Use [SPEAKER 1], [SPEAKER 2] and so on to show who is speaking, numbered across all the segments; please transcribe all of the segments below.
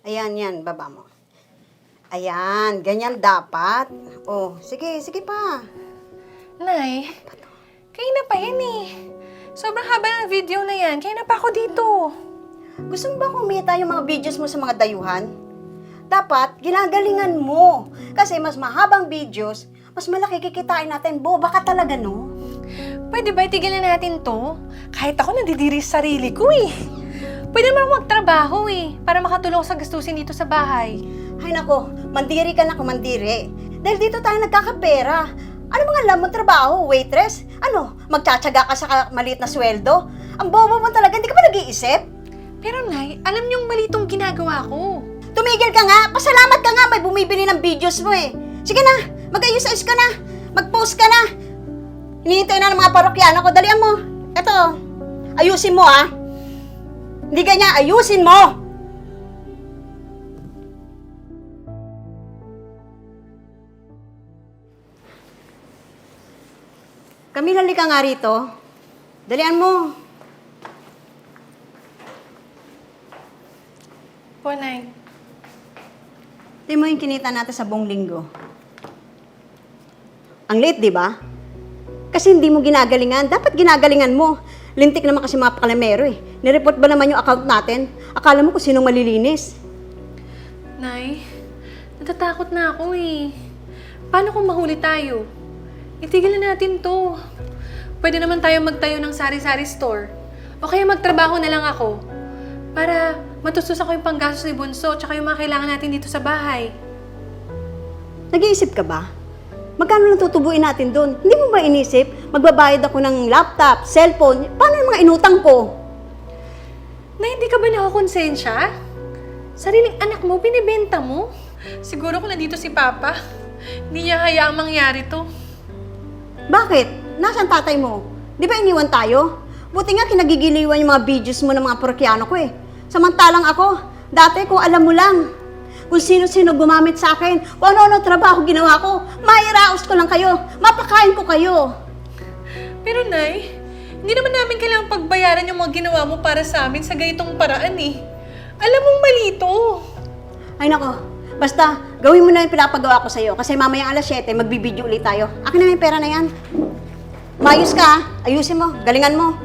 [SPEAKER 1] Ayan, yan. Baba mo. Ayan, ganyan dapat. Oh, sige, sige pa.
[SPEAKER 2] Nay, kayo na pa yan eh. Sobrang haba ng video na yan. Kaya na pa ako dito.
[SPEAKER 1] Gusto mo ba kumita yung mga videos mo sa mga dayuhan? Dapat, ginagalingan mo. Kasi mas mahabang videos, mas malaki kikitain natin. Boba ka talaga, no?
[SPEAKER 2] Pwede ba itigilan natin to? Kahit ako nadidiri sa sarili ko eh. Pwede naman ako magtrabaho eh, para makatulong sa gastusin dito sa bahay.
[SPEAKER 1] Ay nako, mandiri ka na kumandiri. Dahil dito tayo nagkakapera. Ano mga alam mo trabaho, waitress? Ano, magtsatsaga ka sa maliit na sweldo? Ang bobo mo talaga, hindi ka ba nag-iisip?
[SPEAKER 2] Pero Nay, alam niyong mali itong ginagawa ko.
[SPEAKER 1] Tumigil ka nga, pasalamat ka nga, may bumibili ng videos mo eh. Sige na, mag-ayos-ayos ka na, mag-post ka na. Hinihintay na ng mga parokyano ko, dalian mo. Eto, ayusin mo ah. Hindi ganyan, ayusin mo! Camila, halika nga rito. Dalian mo.
[SPEAKER 2] Po, Nay.
[SPEAKER 1] Tingnan mo yung kinita natin sa buong linggo. Ang late, di ba? Kasi hindi mo ginagalingan. Dapat ginagalingan mo. Lintik naman kasi mga pakalamero eh. Nireport ba naman yung account natin? Akala mo kung sinong malilinis?
[SPEAKER 2] Nay, natatakot na ako eh. Paano kung mahuli tayo? Itigil na natin to. Pwede naman tayo magtayo ng sari-sari store. O kaya magtrabaho na lang ako. Para matustos ako yung panggastos ni Bunso tsaka yung mga kailangan natin dito sa bahay.
[SPEAKER 1] Nag-iisip ka ba? Magkano lang tutubuin natin doon? Hindi mo ba inisip? Magbabayad ako ng laptop, cellphone. Paano yung mga inutang ko?
[SPEAKER 2] Na hindi ka ba nakakonsensya? Sariling anak mo, binibenta mo? Siguro kung nandito si Papa, hindi niya hayaang mangyari to.
[SPEAKER 1] Bakit? Nasaan tatay mo? Di ba iniwan tayo? Buti nga kinagigiliwan yung mga videos mo ng mga parokyano ko eh. Samantalang ako, dati kung alam mo lang, kung sino-sino gumamit sa akin, kung ano-ano trabaho ginawa ko, mairaos ko lang kayo, mapakain ko kayo.
[SPEAKER 2] Pero Nay, hindi naman namin kailangang pagbayaran yung mga ginawa mo para sa amin sa ganitong paraan eh. Alam mong mali to.
[SPEAKER 1] Ay nako, basta gawin mo na yung pinapagawa ko sa'yo kasi mamaya alas 7, magbibideo ulit tayo. Akin na yung pera na yan. Mayos ka ha? Ayusin mo, galingan mo.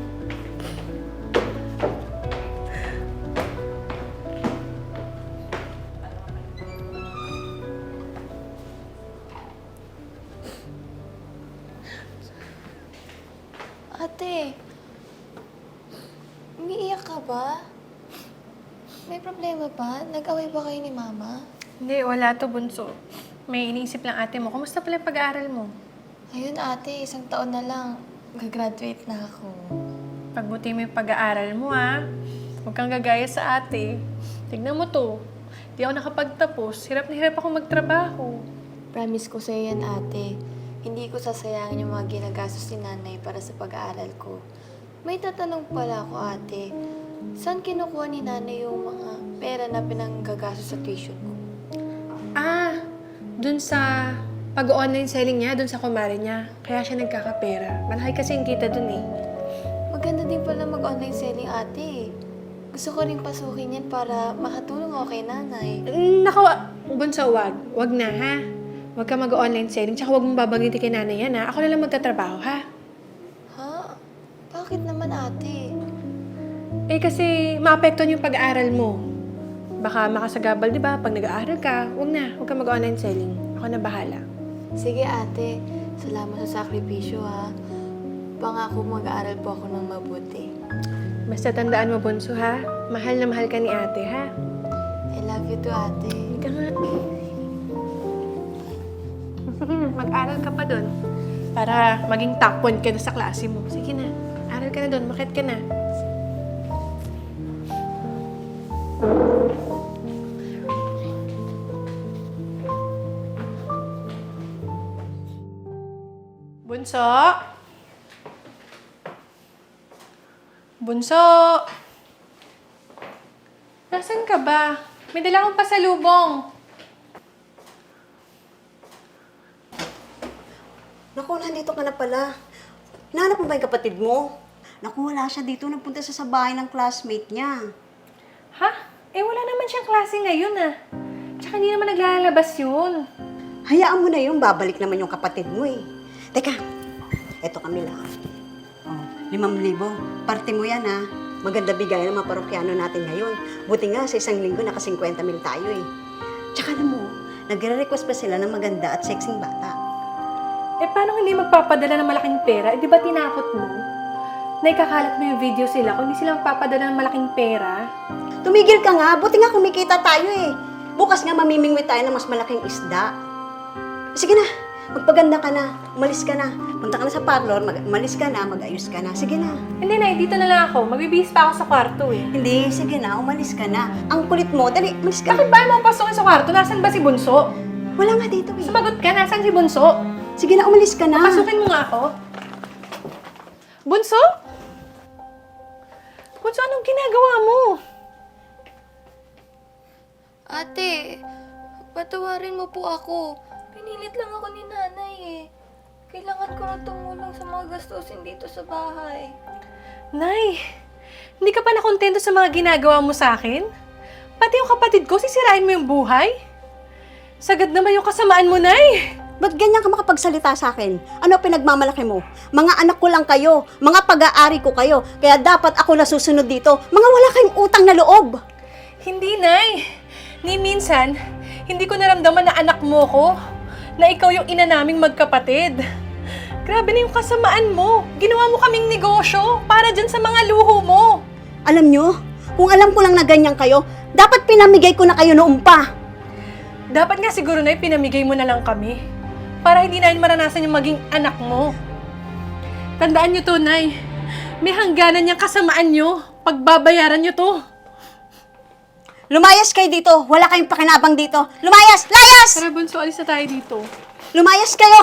[SPEAKER 3] Ate, umiiyak ka ba? May problema ba? Nag-away ba kayo ni Mama?
[SPEAKER 2] Hindi, wala to, Bunso. May iniisip lang ate mo. Kumusta pala yung pag-aaral mo?
[SPEAKER 3] Ayun ate, 1 taon na lang. Gagraduate na ako.
[SPEAKER 2] Pagbuti mo yung pag-aaral mo, ha? Huwag kang gagaya sa ate. Tignan mo to. Di ako nakapagtapos. Hirap na hirap ako magtrabaho.
[SPEAKER 3] Promise ko sa'yo yan ate. Hindi ko sasayangin yung mga ginagastos ni nanay para sa pag-aaral ko. May tatanong pala ako ate. Saan kinukuha ni nanay yung mga pera na pinanggagastos sa tuition ko?
[SPEAKER 2] Ah, dun sa pag-online selling niya, dun sa kumare niya. Kaya siya nagkakapera. Malaki kasi yung kita dun eh.
[SPEAKER 3] Maganda din pala mag-online selling ate. Gusto ko rin pasukin yan para makatulong ako kay nanay.
[SPEAKER 2] Naku, Bunso, wag. Wag na, ha? Wag ka mag-online selling, tsaka wag mong babanggitin kay nanay yan, ha? Ako na lang magtatrabaho, ha?
[SPEAKER 3] Ha? Bakit naman ate?
[SPEAKER 2] Eh, kasi maapektuhan yung pag-aaral mo. Baka makasagabal, di ba? Pag nag-aaral ka, wag na. Wag ka mag-online selling. Ako na bahala.
[SPEAKER 3] Sige ate, salamat sa sakripisyo ha. Pangako mag-aaral po ako ng mabuti.
[SPEAKER 2] Basta tandaan mo, Bunso, ha? Mahal na mahal ka ni ate, ha?
[SPEAKER 3] I love you too ate.
[SPEAKER 2] Ika nga. Sige na, mag-aral ka pa doon. Para maging top 1 ka na sa klase mo. Sige na, aral ka na doon, makit ka na. Bunso? Bunso? Nasaan ka ba? May dala akong pasalubong.
[SPEAKER 1] Naku, nandito ka na pala. Hinahanap mo ba yung kapatid mo? Naku, wala siya dito. Nagpunta siya sa bahay ng classmate niya.
[SPEAKER 2] Ha? Eh, wala naman siyang klase ngayon ah. Tsaka hindi naman naglalabas yun.
[SPEAKER 1] Hayaan mo na yun, babalik naman yung kapatid mo eh. Teka, eto Camila. Oh, 5,000. Parte mo yan ha. Maganda bigayan ng mga parokyano natin ngayon. Buti nga sa isang linggo naka 50,000 tayo eh. Tsaka alam mo, nagre-request pa sila ng maganda at sexing bata.
[SPEAKER 2] Eh, paano hindi magpapadala ng malaking pera? Eh, di ba tinakot mo? Na ikakalat mo yung video sila kung hindi sila magpapadala ng malaking pera?
[SPEAKER 1] Tumigil ka nga, buti nga kumikita tayo eh. Bukas nga mamimingwi tayo ng mas malaking isda. Sige na, magpaganda ka na, umalis ka na. Punta ka na sa parlor, umalis ka na, mag-ayos ka na. Sige na.
[SPEAKER 2] Hindi na, dito na lang ako. Magbibihis pa ako sa kwarto eh.
[SPEAKER 1] Hindi, sige na, umalis ka na. Ang kulit mo, dali, umalis ka.
[SPEAKER 2] Bakit ba mo pasukin sa kwarto? Nasaan ba si Bunso?
[SPEAKER 1] Wala nga dito eh.
[SPEAKER 2] Sumagot ka, nasaan si Bunso?
[SPEAKER 1] Sige na, umalis ka na.
[SPEAKER 2] Pasukin mo nga ako. Bunso? Bunso, anong ginagawa mo?
[SPEAKER 3] Ate, patawarin mo po ako. Pinilit lang ako ni nanay eh. Kailangan ko na tumulong sa mga gastusin dito sa bahay.
[SPEAKER 2] Nay, hindi ka pa nakontento sa mga ginagawa mo sa akin? Pati yung kapatid ko, sisirain mo yung buhay? Sagad naman yung kasamaan mo, Nay.
[SPEAKER 1] Ba't ganyan ka makapagsalita sa akin? Ano pinagmamalaki mo? Mga anak ko lang kayo, mga pag-aari ko kayo, kaya dapat ako na susunod dito. Mga wala kayong utang na loob.
[SPEAKER 2] Hindi, Nay. Ni minsan, hindi ko naramdaman na anak mo ko, na ikaw yung ina naming magkapatid. Grabe na yung kasamaan mo. Ginawa mo kaming negosyo para dyan sa mga luho mo.
[SPEAKER 1] Alam nyo, kung alam ko lang na ganyan kayo, dapat pinamigay ko na kayo noon pa.
[SPEAKER 2] Dapat nga siguro, Nay, pinamigay mo na lang kami. Para hindi namin maranasan yung maging anak mo. Tandaan nyo to, Nay. May hangganan niyang kasamaan nyo. Pagbabayaran nyo to.
[SPEAKER 1] Lumayas kayo dito, wala kayong pakinabang dito. Lumayas! Layas!
[SPEAKER 2] Tara, Bunso, alis na tayo dito.
[SPEAKER 1] Lumayas kayo!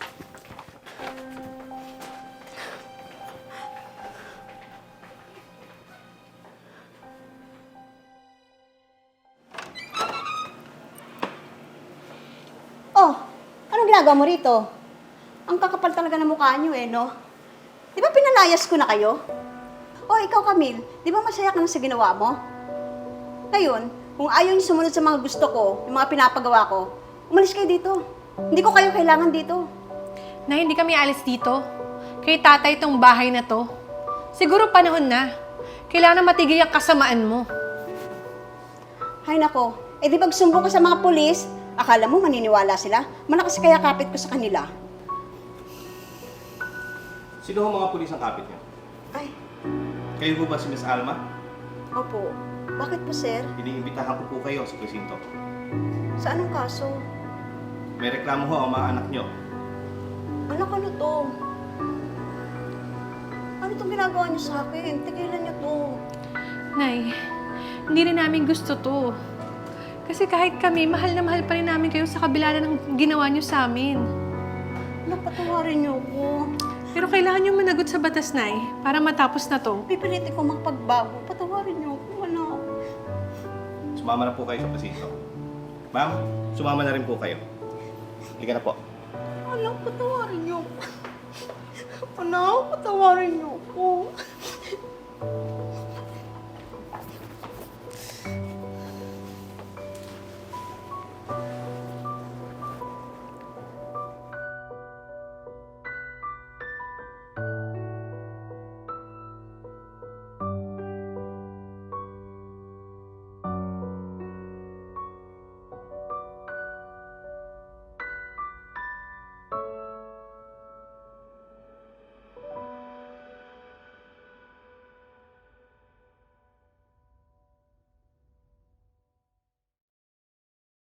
[SPEAKER 1] Oh, anong ginagawa mo rito? Ang kakapal talaga ng mukha niyo eh, no? Di ba pinalayas ko na kayo? Oh, ikaw Camille, di ba masaya ka na sa ginawa mo? Ngayon, kung ayaw niyo sumunod sa mga gusto ko, yung mga pinapagawa ko, umalis kayo dito. Hindi ko kayo kailangan dito.
[SPEAKER 2] Na hindi kami alis dito. Kay tatay itong bahay na to. Siguro panahon na. Kailangan matigil ang kasamaan mo.
[SPEAKER 1] Hay nako, eh di pag sumbong ka sa mga pulis, akala mo maniniwala sila? Malakas kaya kapit ko sa kanila.
[SPEAKER 4] Sino ang mga pulis ang kapit niyo?
[SPEAKER 1] Ay,
[SPEAKER 4] Kayo po ba si Miss Alma?
[SPEAKER 1] opo. Bakit po, sir?
[SPEAKER 4] Iniimbitahan ko po kayo sa presinto.
[SPEAKER 1] Sa anong kaso?
[SPEAKER 4] May reklamo ho ang mga anak niyo.
[SPEAKER 1] Anak, ano to? Ano itong ginagawa niyo sa akin? Tigilan niyo to.
[SPEAKER 2] Nay, hindi rin namin gusto to. Kasi kahit kami, mahal na mahal pa rin namin kayo sa kabila na ng ginawa niyo sa amin.
[SPEAKER 1] Anak, patawarin niyo ako.
[SPEAKER 2] Pero kailangan niyo managot sa batas, Nay, para matapos na to.
[SPEAKER 1] Pipilitin ko makapagbago. Patawarin niyo ako, anak.
[SPEAKER 4] Sumama na po kayo sa presinto. Ma'am, sumama na rin po kayo. Halika na po.
[SPEAKER 1] Anak, patawarin niyo ako. Anak, patawarin niyo ako.